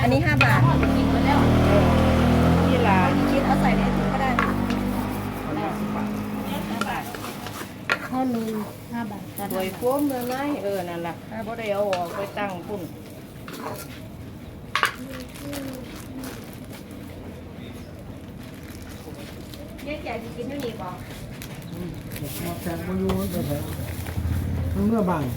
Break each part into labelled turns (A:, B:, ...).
A: อันนี้5 บาทกินไปแล้ว
B: ที่ร้าน
A: คิดเอาใส่ในถุงก็ได้
C: ข้าวลุย5 บาท
B: สวยโค้มเลยไหมนั่นแหละบ่ได้เอาออกไปตั้งพุ่น
A: แยกใหญ่กินเท่านี้ก่อน
D: มาแข่งมาอยู่แต่แถวเมื่อบาง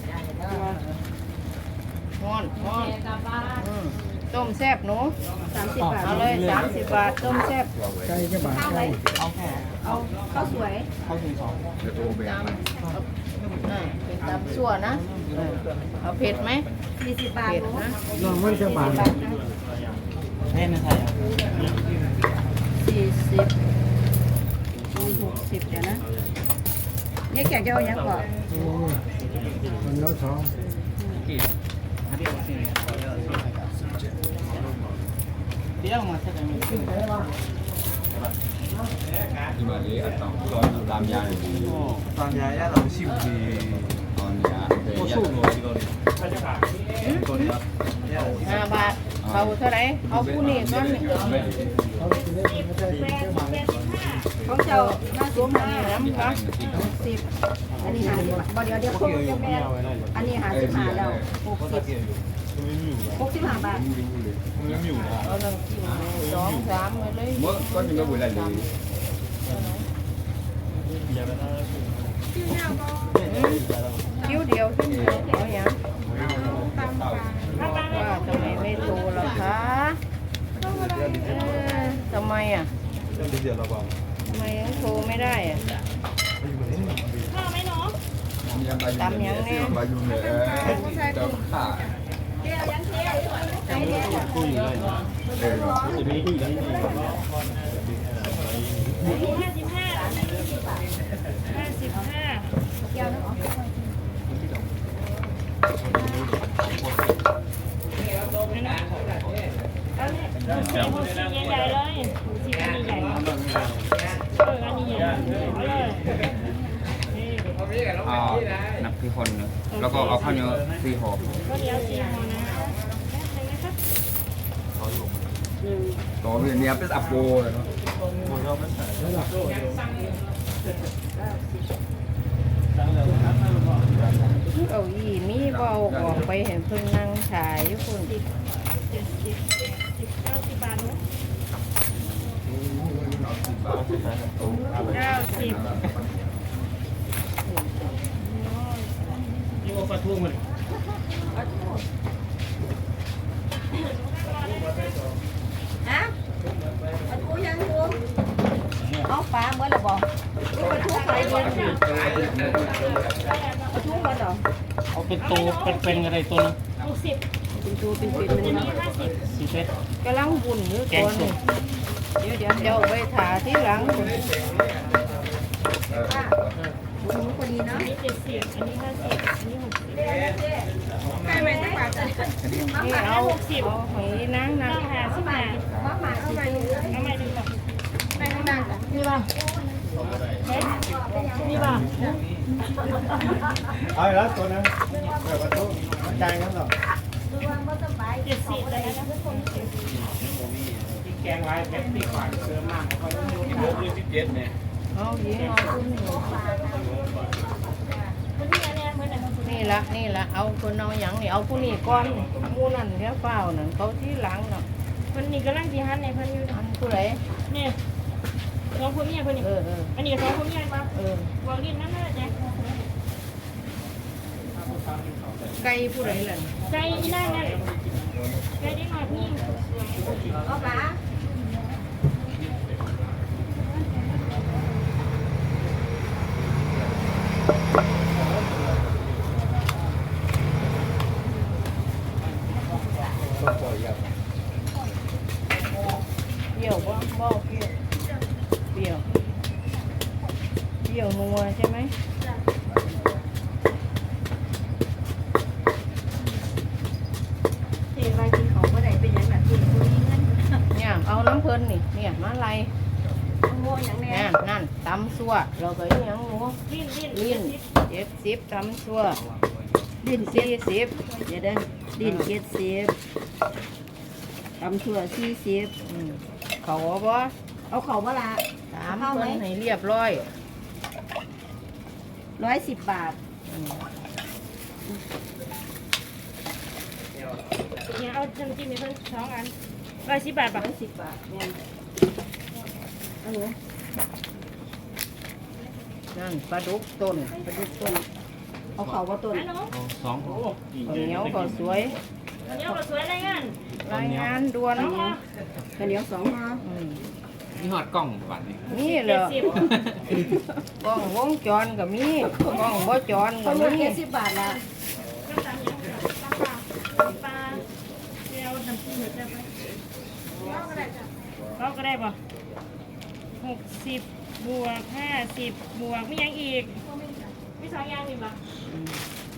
B: ฮ้อนต้มแซ่บหนู
A: 30 บาท
B: เอาเลย30 บาทต้มแซ่บ
D: ไก่จะบาทไก่
A: เอาข้าวสวย
B: ตำเป็นตำซั่วนะเอาเผ็ดไหม
A: 40 บาท
B: เผ็ดนะ
D: น้องมันจะบาท
B: 40
A: 60เดี๋ยวนะแยกใหญ่จะเอาอย่างก่อน
D: โอ้คนแล้วสอง
E: ဒီမှာလေအတောင်တော်တော်လာများနေပြီ
F: ตอนย้ายเราชิวดี
E: ။ဟောနေရတဲ့ရတော့ဒီလိုလေ
B: 5 บาทเอาเท่าไหร่เอาผู้นี้ก่อนนี่
D: เขาจะได้ไม่ได้เจ้าบาท
A: ของเจ้า
B: ตัวมันนี่น้ำครับ
A: 60อันนี้50 บาทบ่เดี๋ยวครบจะแม่อันนี้55แล้ว65 บาท
B: เอาน้ำจิ้ม2 3มาเลย
E: ။မောကောညမဝေလိုက်လေ
B: คิ้วเดียวขึ้นเดียวเอาอย่างว่าทำไมไม่โตล่ะคะทำไมอ่ะ
F: เดี๋ยวเราบอก
B: ทำไมยังโทรไม่ได้อ่ะ
E: ။ညမဘာယူနေတော့ခါ
F: คุยเลยนะ
C: ใหญ่เลยสีอันนี้ใหญ่อันนี้ใหญ่เอาเลย
E: นับที่คนแล้วก็เอาข้าวเหนียว4 ห่อ
C: ก็เดี๋ยวสีหอนะนะครับ
E: ต่อไปเนี่ยเป็นอัปโปเลยเนาะ
B: เอาอีมีเบาออกไปเห็นเพิ่งนั่งถ่ายอยู่คุณ
C: 90 บาทนู้น90
F: นี่ว่าปลาทูมัน
A: ฮะปลาทูยังอยู่เอาปลาเมื่อไหร่บอกปลาทูใครเย็นปลาทูเมื่อไหร่
F: เอาเป็นตัวเป็นอะไรตัวนึง
C: 60
A: เป็นตัวเป็นมัน
C: อัน
A: นะ
C: นี้50
F: สีเฟส
B: กำลังบุญอยู่ตัวนึงเดี๋ยวเจ้าไปถ่าที่หลัง
A: บุญพอดีเนาะ
C: อันนี้70อันนี้50อันนี้60
A: ให้ไปสักบาทจ้ะ
B: นี่เอาหอยนางนะ
C: ต้องหาสิบบาท
A: มาหมาเข้าไปเลย
C: เอาใหม่ดูก่อน
A: ไปข้างหน้าจ้ะ
C: นี่ป่ะนี่ป่ะ
D: เอาแล้วตัวนั้นเปิดประตูจ่ายกันหรอ
C: 70เลยนะ
F: แกงไว้แป๊บตีก่อนเติมมากเขาจะมีโมก17เนี่ย
B: เอาหญิงเอาคุณนี่
C: คนนี้อันเนี้ยเหมือนกัน
B: นี่ละเอาคนเอาอย่างนี่เอาผู้นี้ก่อนหมู่นั่นเดี๋ยวเปล่านั่นเขาที่หลังน่ะ
C: คนนี้กำลังจีฮันในเพิ่นอยู่
B: อันผู้ใด
C: นี่สองคนเมียเพิ่นนี่อันนี้สองคนเมียป่ะวางดินนั่นน่ะจ๊ะ
B: ไก่ผู้ใดล่ะ
C: ใจอีนั่นนั่นใจได้หน่อยพี่
A: เอาปลา
B: เปรี้ยวบ่เปรี้ยวเปรี้ยวนัวใช่ไหม
A: เทไปกินของก็ได้เป็นอย่างแบบกินคุยเงิน
B: เนี่ยเอาน้ำเพลินนี่เนี่ยมาไล่
A: โง่อย่างแน่
B: นั่นตำซัวเราก็ยังหมู
C: ลิ้น
B: ลิ้น70ตำซัว
A: ดิน40เดี๋ยวเดินดิน70 ตำชั่ว40
B: เขาบ่
A: เอาเขาบ่ละ
B: ถามเพิ่นให้เรียบร้อย
A: 110 บาท
C: เนี่ยเอาน้ำจิ้มให้เพิ่น2 อัน110 บาทป่ะ
A: 110 บาทแม่นเอาหนู
B: นั่นปลาดุกต้น
A: ไปดูต้นเอาเขาบ่ต้น
C: ฮัลโหล
F: สอง
B: ข้าวเหนียวก็สวย
C: เดี๋ยวก็สวยรายงาน
B: รายงานด่วน
C: เอามา
A: ข้าวเหนียว2ห่อ
F: นี่หอดกล้องบัดนี้
B: นี่เหรอกล้องวงจรก็มีกล้องบ่จรก็
A: เขาหมด
B: มี
A: 70 บาทละ
C: ก็ตามอย่างตามปลาเดี๋ยวน้ำจิ้มเดี๋ยวจะไปเราก็ได้ป่ะ60 บวก 50 บวกมียังอีกมี2 อย่างอีกป่ะ